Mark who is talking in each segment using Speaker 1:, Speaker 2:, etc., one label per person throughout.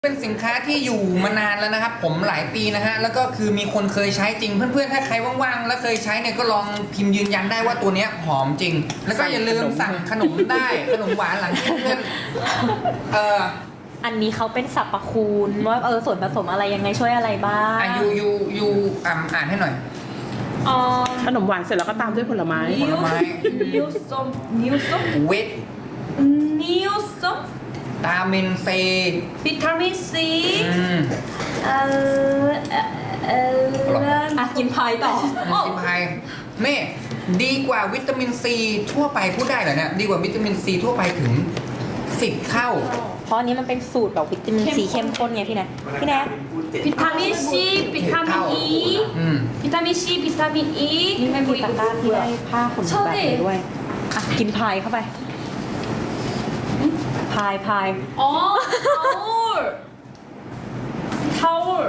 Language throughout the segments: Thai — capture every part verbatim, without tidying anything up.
Speaker 1: เป็นสินค้าที่อยู่มานานแล้วนะครับผมหลายปีนะฮะแล้วก็คือมีคนเคยใช้จริงเพื่อนๆถ้าใครว่างๆแล้วเคยใช้เนี่ยก็ลองพิมพ์ยืนยันได้ว่าตัวเนี้ยหอมจริงแล้วก็อย่าลืมสั่งขนมได้ขนมหวานหลังที่เพื่อนเออ
Speaker 2: อันนี้เขาเป็นสรรพคุณว่าเออส่วนผสมอะไรยังไงช่วยอะไรบ้าง
Speaker 1: อ่ะยูยูยูอ่านอ่านให้หน่อย
Speaker 3: 어,
Speaker 4: ขนมหวานเสร็จแล้วก็ตามด้วยผลไม้
Speaker 1: ผลไม้
Speaker 3: 니오썸, 니오썸,
Speaker 1: เวท
Speaker 3: 니오썸,
Speaker 1: ตาเมนเซ
Speaker 3: 비타민 C,
Speaker 1: อืม
Speaker 3: 알, 알,
Speaker 2: อ่ะกินพายต่อ
Speaker 1: กินพายนี่ดีกว่าวิตามินซีทั่วไปพูดได้เหรอเนี่ยดีกว่าวิตามินซีทั่วไปถึงสิบเท่า
Speaker 2: เพราะอันนี้มันเป็นสูตรแบบวิตามินซีเข้มข้นไงพี่แนทพี่แนท
Speaker 3: 비타민 C, 비타민 E,
Speaker 1: อืม
Speaker 3: 비타민 C, 비타민 E,
Speaker 2: นี่ไม่มีตะกร้าที่ได้ผ้าขนหนูแบบนี้ด้วยอ่ะกินพายเข้าไปพายพาย
Speaker 3: 어, 타올, 타올.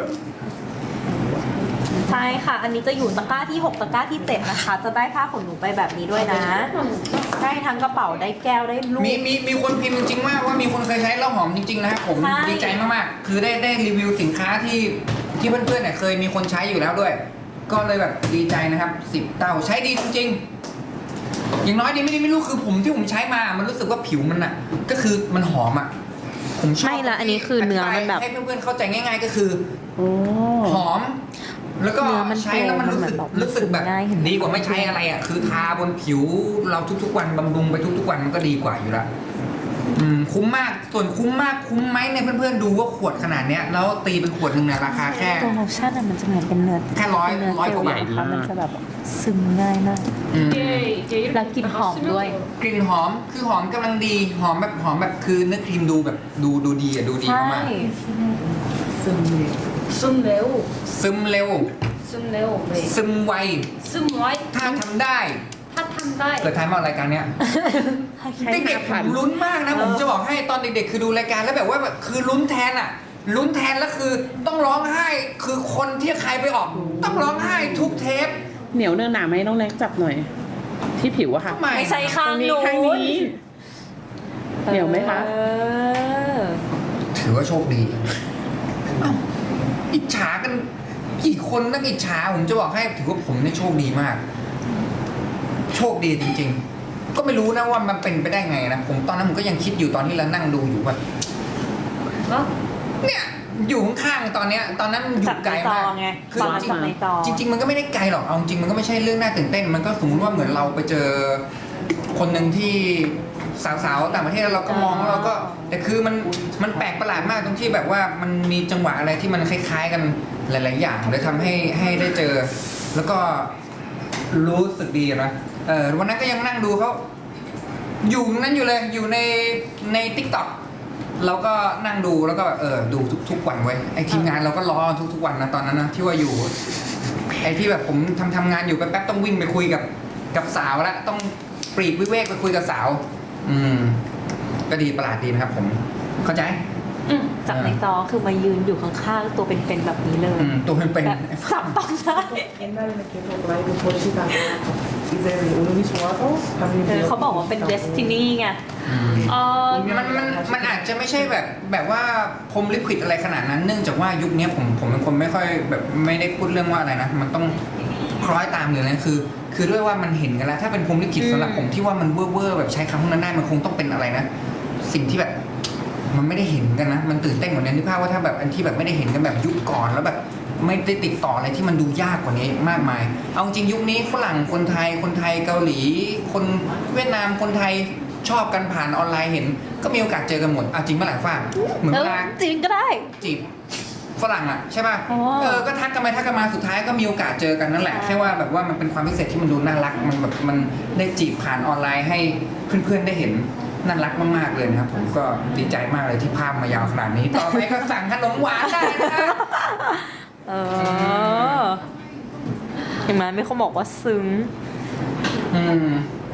Speaker 2: ใช่ค่ะ อันนี้จะอยู่ตะกร้าที่หกตะกร้าที่เจ็ดนะคะ จะได้ผ้าขนหนูไปแบบนี้ด้วยนะ ได้ทั้งกระเป๋าได้แก้วได้ลูก
Speaker 1: มีมีมีคนพิมพ์จริงๆว่าว่ามีคนเคยใช้แล้วหอมจริงๆนะครับผม
Speaker 2: ใช่
Speaker 1: ดีใจมากๆคือได้ได้รีวิวสินค้าที่ที่เพื่อนๆเนี่ยเคยมีคนใช้อยู่แล้วด้วย ก็เลยแบบดีใจนะครับสิบเต้าใช้ดีจริงๆอย่างน้อยดีไม่ดีไม่รู้คือผมที่ผมใช้มามันรู้สึกว่าผิวมันอ่ะ ก็คือมันหอมอ่ะผมชอบ
Speaker 2: ไม่ละอันนี้คือเนื้อมันแบบ
Speaker 1: ให้เพื่อนๆเข้าใจง่าย ๆ ก็คือ
Speaker 4: โอ้
Speaker 1: หอม แล้วก็
Speaker 2: เนื้อมัน
Speaker 1: ใช้แล้วมันรู้สึก
Speaker 2: โปร่งมันแบบ
Speaker 1: รู้สึกแบบ
Speaker 2: ซึมง่ายเห็นไหม
Speaker 1: ดีกว่าไม่ใช้อะไรอ่ะคือทาบนผิวเราทุกๆวันบำรุงไปทุกๆวันมันก็ดีกว่าอยู่ละอืมคุ้มมากส่วนคุ้มมากคุ้มไหมเนี่ยเพื่อนๆดูว่าขวดขนาดเนี้ยแล้วตีเป็นขวดหนึ่งเนี่ยราคาแค่
Speaker 2: ตัวโลชั่นอะมันจะเหมือนเป็นเนื้อ
Speaker 1: แค่ร้อย
Speaker 2: เป็นเนื้อ
Speaker 1: ร้อย
Speaker 2: เจ
Speaker 1: ก
Speaker 2: ล
Speaker 1: ว่าบาท
Speaker 2: นะคะมันจะแบบซึมง่ายมาก
Speaker 1: อืม
Speaker 3: 이게 이제 이렇게
Speaker 2: 나 긴
Speaker 3: 다가
Speaker 2: 험,
Speaker 3: 쓰면
Speaker 2: 너의.
Speaker 3: 돼요.
Speaker 1: กลิ่นหอมคือหอมกำลังดีหอมแบบหอมแบบคือเนื้อครีมดูแบบดูดูดีอ่ะดูดี
Speaker 2: ใช่
Speaker 1: มาก
Speaker 3: 씀레오,
Speaker 1: ๆซึมเร็ว
Speaker 3: 씀레오, 네.
Speaker 1: ซึมไว
Speaker 3: 씀와이,
Speaker 1: ถ้าทำได้
Speaker 3: 핫한다이.
Speaker 1: เกิดทันมารายการเนี้ย เด็กๆผมลุ้นมากนะผมจะบอกให้ตอนเด็กๆคือดูรายการแล้วแบบว่าแบบคือลุ้นแทนอ่ะลุ้นแทนแล้วคือต้องร้องไห้คือคนที่ใครไปออก ต้องร้องไห้ทุกเทป
Speaker 4: เหนียวเนื้อหนาไหมน้องเล็กจับหน่อย ที่ผิวอะค่ะ
Speaker 1: ทำไม
Speaker 2: ไม่ใช่
Speaker 4: ต
Speaker 2: ข้า
Speaker 4: รง งนี้
Speaker 2: นู้
Speaker 4: ข้าง
Speaker 2: น
Speaker 4: นี้ เหนียวไหมคะ
Speaker 2: เออ
Speaker 1: ถือว่าโชคดีเอ้าอิจฉากันกี่คนนักอิจฉาผมจะบอกให้ถือว่าผมเนี่ยโชคดีมาก โชคดีจริงๆ ก็ไม่รู้นะว่ามันเป็นไปได้ไงนะผมตอนนั้นผมก็ยังคิดอยู่ตอนที่เรานั่งดูอยู่ว่า
Speaker 3: 어?
Speaker 1: เนี่ยอยู่ข้างๆตอนเนี้ยตอนนั้นอยู่ไกลมาก
Speaker 2: จับในจอไง
Speaker 1: คือ
Speaker 2: ตอนนั้น
Speaker 1: จริ
Speaker 2: จับในจอ
Speaker 1: งจริง ๆ มันก็ไม่ได้ไกลหรอกเอาจริงมันก็ไม่ใช่เรื่องน่าตื่นเต้น มันก็สมมติว่าเหมือนเราไปเจอคนหนึ่งที่สาวๆต่างประเทศแล้วเราก็มองแล้วเราก็แต่คือมันมันแปลกประหลาดมากตรงที่แบบว่ามันมีจังหวะอะไรที่มันคล้ายๆกันหลาย ๆ อย่างเลยทำให้ให้ได้เจอ แล้วก็รู้สึกดีนะเออวันนั้นก็ยังนั่งดูเขาอยู่นั้นอยู่เลยอยู่ในในทิกตอกเราก็นั่งดูแล้วก็แบบเออดูทุกทุกวันไว้ยไอทีมงานเราก็รอทุกทุกวันนะตอนนั้นนะที่ว่าอยู่ ไอที่แบบผมทำทำงานอยู่แป๊บๆต้องวิ่งไปคุยกับกับสาวแล้วต้องปลีกวิเวกไปคุยกับสาว อืม ก็ดีประหลาดดีนะครับ ผม เข้าใจ
Speaker 3: 응.
Speaker 2: จับในจอคือมายืนอยู่ข้างๆตัวเป็นๆแบบนี้เลย
Speaker 1: อืมตัวเป็นเป็น
Speaker 2: แบบจับต้องได้
Speaker 5: 옛날에는 계속 라이브 보시다가 이제는 운이 좋아서
Speaker 2: เออเขาบอกว่าเป็น destiny ไง
Speaker 3: 어,
Speaker 1: มันมันมันอาจจะไม่ใช่แบบแบบว่าพรหมลิขิตอะไรขนาดนั้น เนื่องจากว่ายุคนี้ผมผมเป็นคนไม่ค่อยแบบไม่ได้พูดเรื่องว่าอะไรนะมันต้องคล้อยตามหรืออะไรคือ คือด้วยว่ามันเห็นกันแล้ว ถ้าเป็นพรหมลิขิตสำหรับผมที่ว่ามันเว่อร์ๆแบบใช้คำพวกนั้นได้มันคงต้องเป็นอะไรนะสิ่งที่แบบมันไม่ได้เห็นกันนะมันตื่นเต้นกว่านี้นึกภาพว่าถ้าแบบอันที่แบบไม่ได้เห็นกันแบบยุคก่อนแล้วแบบไม่ได้ติดต่ออะไรที่มันดูยากกว่านี้มากมาย เอาจริงยุคนี้ฝรั่งคนไทยคนไทยเกาหลี คนเวียดนามคนไทยชอบกันผ่านออนไลน์เห็น ก็มีโอกาสเจอกันหมดเอาจริงเมื่อไหร่ฟ้าเหมือน
Speaker 2: เอ
Speaker 1: เว
Speaker 2: อ
Speaker 1: ลา
Speaker 2: จริงก็ได้
Speaker 1: จีบฝรั่งอ่ะใช่ป่ะ
Speaker 2: อ๋อ
Speaker 1: เออก็ทักกันไปทักกันมาสุดท้ายก็มีโอกาสเจอกันนั่นแหละแค่ว่าแบบว่ามันเป็นความพิเศษที่มันดูน่ารักมันแบบมันได้จีบผ่านออนไลน์ให้เพื่อนๆได้เห็นน่ารักมากๆเลยนะครับผมก็ดีใจมากเลยที่ภาพมายาวขนาดนี้ ต่อไปก็สั่งขนมหวานได้นะครับ
Speaker 2: เออเห็นไหมไม่เขาบอกว่าซึ้ง
Speaker 1: อืม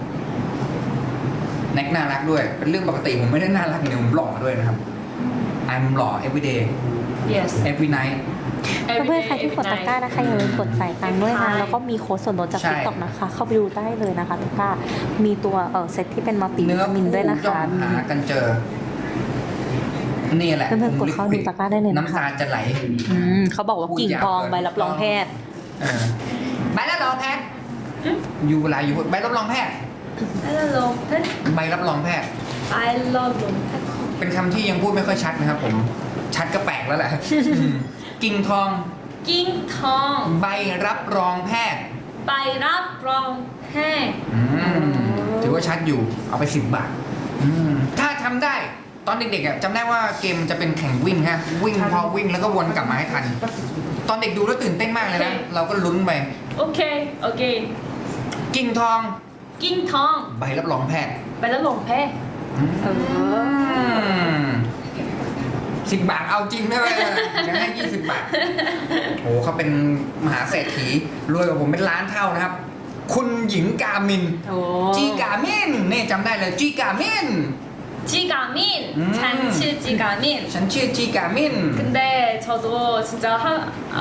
Speaker 1: แน็กน่ารักด้วย เป็นเรื่องปกติผมไม่ได้น่ารักอย่างเดียวผมหล่อด้วยนะครับ I'm หล่อ every day
Speaker 3: yes.
Speaker 1: every night
Speaker 2: เพื่อนๆใครที่กดตะกร้านะคะอย่าลืมกดใส่ตังค์ด้วยนะแล้วก็มีโค้ดส่วนลดจาก
Speaker 1: ใช่
Speaker 2: ติ๊กต็อกนะคะ เข้าไปดูได้เลยนะคะตะกร้ามีตัวเออเซตที่เป็นมัลติวิ
Speaker 1: เนื้อ
Speaker 2: ตามินด้วยนะ
Speaker 1: ย่อ
Speaker 2: คะ
Speaker 1: มหากันเจอนี่แหละ
Speaker 2: เพื่อนๆกดเข้าดูตะกร้าได้เลยนะคะ
Speaker 1: น้ำตาจะไหล
Speaker 2: อืมเขาบอกว่ากิ่งทองใบรับรองแพทย์
Speaker 1: เออใบรับรองแพทย์อยู่เวลาอยู่ใบรับรองแพทย์
Speaker 3: I love pet
Speaker 1: ใบรับรองแพทย์
Speaker 3: I love pet
Speaker 1: เป็นคำที่ยังพูดไม่ค่อยชัดนะครับผม ชัดก็แปลกแล้วแหละ อืมกิ่งทอง
Speaker 3: 낑텅
Speaker 1: ใบรับรองแพทย์
Speaker 3: ใบรับรองแพทย์
Speaker 1: อืมถือว่าชัดอยู่เอาไปสิบบาทอืมถ้าทำได้ตอนเด็กๆอ่ะจำได้ว่าเกมจะเป็นแข่งวิ่งฮะวิ่งพอวิ่งแล้วก็วนกลับมาให้ทัน ตอนเด็กดูแล้วตื่นเต้นมากเลยนะ เราก็ลุ้นไป
Speaker 3: โอเคโอเค
Speaker 1: กิ่งทอง
Speaker 3: 낑텅
Speaker 1: ใบรับรองแพทย์
Speaker 3: ใบรับรองแพทย์
Speaker 2: เออ
Speaker 1: สิบบาทเอาจริงได้ไหมยังให้ยี่สิบบาทโอ้เขาเป็นมหาเศรษฐีรวยกว่าผมเป็นล้านเท่านะครับ คุณหญิงกามิน
Speaker 2: โอ้
Speaker 1: จีกามินนี่จำได้เลยจีกามิน
Speaker 3: 지가민
Speaker 1: 음.
Speaker 3: 잔치 지가민
Speaker 1: ฉันชื่อจีกามิน
Speaker 3: 근데 저도 진짜 하, 어,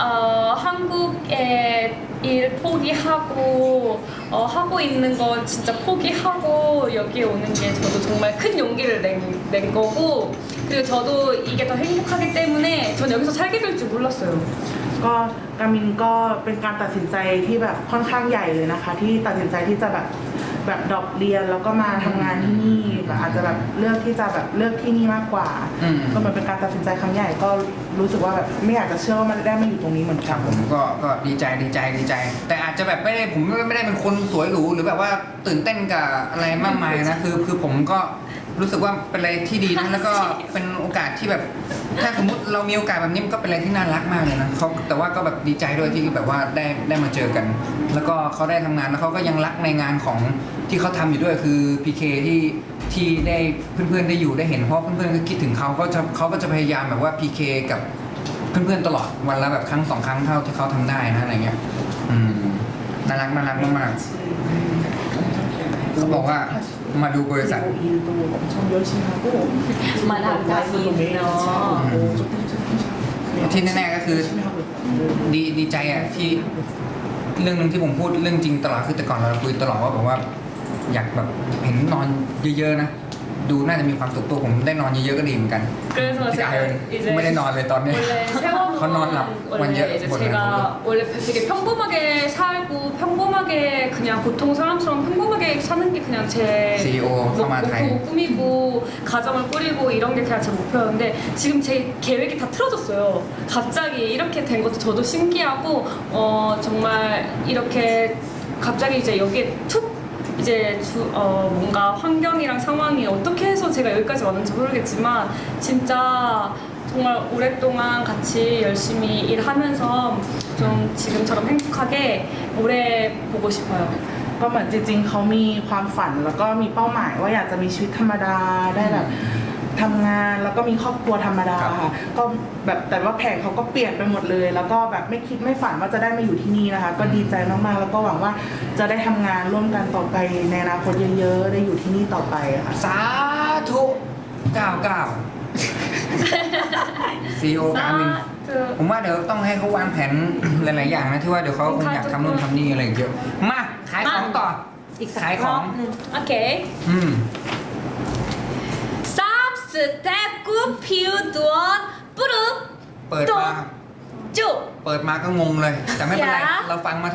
Speaker 3: 한국에 일 포기하고 어, 하고 있는 거 진짜 포기하고 여기에 오는 게 저도 정말 큰 용기를 낸, 낸 거고 그리고 저도 이게 더 행복하기 때문에 전 여기서 살게 될 줄 몰랐어요.
Speaker 5: ก็กามินก็เป็นการตัดสินใจที่แบบค่อนข้างใหญ่เลยนะคะ ที่ตัดสินใจที่จะแบบแบบดรอปเรียนแล้วก็มาทำงานที่นี่แบบอาจจะแบบเลือกที่จะแบบเลือกที่นี่มากกว่า
Speaker 1: อืม
Speaker 5: ก็เหมือนเป็นการตัดสินใจครั้งใหญ่ก็รู้สึกว่าแบบไม่อยากจะเชื่อว่ามันได้มาอยู่ตรงนี้เหมือน
Speaker 1: ค
Speaker 5: กั
Speaker 1: รั
Speaker 5: น
Speaker 1: บผมก็ก็ดีใจดีใจดีใจ แต่อาจจะแบบไม่ได้ผมไม่ได้เป็นคนสวยหรูหรือแบบว่าตื่นเต้นกับอะไรมากมายนะคือคือผมก็รู้สึกว่าเป็นอะไรที่ดีนะแล้วก็เป็นโอกาสที่แบบ ถ้าสมมติเรามีโอกาสแบบนี้มันก็เป็นอะไรที่น่ารักมากเลยนะเขาแต่ว่าก็แบบดีใจด้วยที่แบบว่าได้ได้มาเจอกัน แล้วก็เขาได้ทำงานแล้วเขาก็ยังรักในงานของที่เขาทำอยู่ด้วยคือ พี เค ที่ที่ได้เพื่อนๆได้อยู่ได้เห็นเพราะเพื่อนๆก็คิดถึงเขาก็จะเขาก็จะพยายามแบบว่า พี เค กับเพื่อนๆตลอดวันละแบบครั้งสองครั้งเท่าที่เขาทำได้นะอะไรเงี้ยอืมน่ารักน่ารักมากๆเขาบอกว่ามาดูบริษัท
Speaker 5: 일도 엄청 열심히 하고
Speaker 2: มาทำการบินเนาะ
Speaker 1: ที่แน่ๆก็คือ
Speaker 5: 열심히 하고 있고
Speaker 1: ดีดีใจอ่ะที่เรื่องหนึงที่ผมพูดเรื่องจริงตลอดคือแต่ก่อนเราคุยตลอดว่าแบบว่า อยากแบบเห็นนอนเยอะๆนะดูน่าจะมีความสุขตัวผมได้นอนเยอะๆก็ดีเหมือนกัน
Speaker 3: 그래서
Speaker 1: ที่กาย
Speaker 3: 제가
Speaker 1: ไม่ได้นอนเลยตอนนี้
Speaker 3: 원래 세월호
Speaker 1: 건너왔나? 완전
Speaker 3: 원래 이제
Speaker 1: 원래
Speaker 3: 제가 원래 되게 평범하게 살고 평범하게 그냥 보통 사람처럼 평범하게 사는 게 그냥 제
Speaker 1: ซี อี โอ เข้ามาไทย
Speaker 3: 목표 꿈이고 가정을 꾸리고 이런 게 그냥 제 목표였는데 지금 제 계획이 다 틀어졌어요. 갑자기 이렇게 된 것도 저도 신기하고 어 정말 이렇게 갑자기 이제 여기에 툭 이제 주, 어, 뭔가 환경이랑 상황이 어떻게 해서 제가 여기까지 왔는지 모르겠지만 진짜 정말 오랫동안 같이 열심히 일하면서 좀 지금처럼 행복하게 오래 보고 싶어요.
Speaker 5: ก็เหมือนจริงๆเขามีความฝันแล้วก็มีเป้าหมายว่าอยากจะมีชีวิตธรรมดาได้แบบทำงานแล้วก็มีครอบครัวธรรมดาค่ะก็แบบแต่ว่าแผนเขาก็เปลี่ยนไปหมดเลย แล้วก็แบบไม่คิดไม่ฝันว่าจะได้มาอยู่ที่นี่นะคะ ก็ดีใจมากๆแล้วก็หวังว่าจะได้ทำงานร่วมกันต่อไปในอนาคตเยอะๆได้อยู่ที่นี่ต่อไปค่ะ
Speaker 1: สาธุเก้าเก้าซีโอกามิน
Speaker 3: 그
Speaker 1: ผมว่าเดี๋ยวต้องให้เขาวางแผน หลาย ๆ อย่างนะที่ว่าเดี๋ยวเขาคงอยากทำนู่นทำนี่อะไรเยอะมาขายของต่อ
Speaker 2: อีกสัก
Speaker 1: ขายข
Speaker 2: ร
Speaker 1: อ
Speaker 2: อง บหนึง
Speaker 3: 오케이.
Speaker 1: อืม
Speaker 3: 쌉스 대구 피우던 뿌릅
Speaker 1: เปิดมา
Speaker 3: 쭉
Speaker 1: เปิดมาก็งงเลย แต่ไม่เป็นไร
Speaker 3: อย่า
Speaker 1: เราฟังมา